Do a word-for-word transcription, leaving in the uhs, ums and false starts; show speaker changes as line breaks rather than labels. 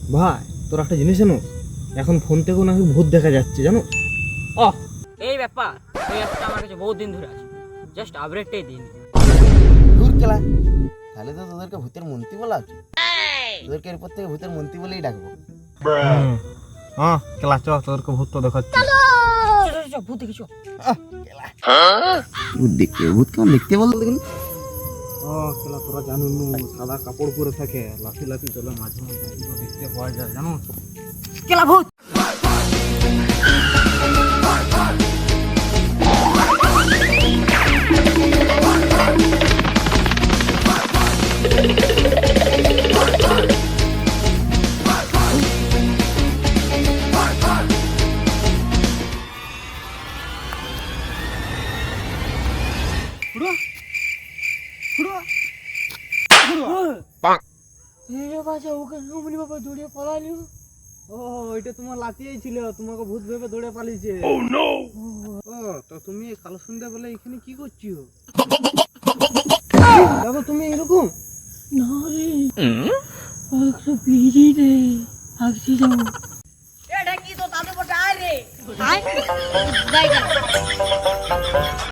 ভাই তোর একটা জিনিস জানো, এখন ফোন থেকেও নাকি ভূত দেখা যাচ্ছে জানো।
ও এই ব্যাপার, এই অ্যাপটা আমার কাছে বহুত দিন ধরে আছে, জাস্ট আপডেটটাই দিন।
দূর কেলা, তাহলে তো তোদেরকে ভূতের মন্ত্রী বলা উচিত। তোদেরকে এরপর থেকে ভূতের মন্ত্রী বলেই ডাকবো।
হ্যাঁ কেলা চ, তোদেরকে ভূত তো দেখাচ্ছি।
ভূত দেখেছো?
ভূত দেখতে, ভূত কেমন দেখতে বলতো দেখুন।
ও কেলা তোরা জানো নু, সাদা কাপড় পরে থাকে, লাঠি লাঠি চলে, মাঝে মাঝে এগুলো দেখতে পাওয়া যায় জানো।
কেলা ভূত।
ও ওইটা তোমার লাতিয়েই ছিল, তোমাকে ভূত ভেবে দৌড়ে পালিয়েছে। ও তো তুমি কালো সন্ধ্যা বলে এখানে কি করছো? দাদা তুমি এরকম
না রে, একটু বিড়ি রে, আসছি যাও। এটা কি তো তাদের বটে আয় রে, আয় যাই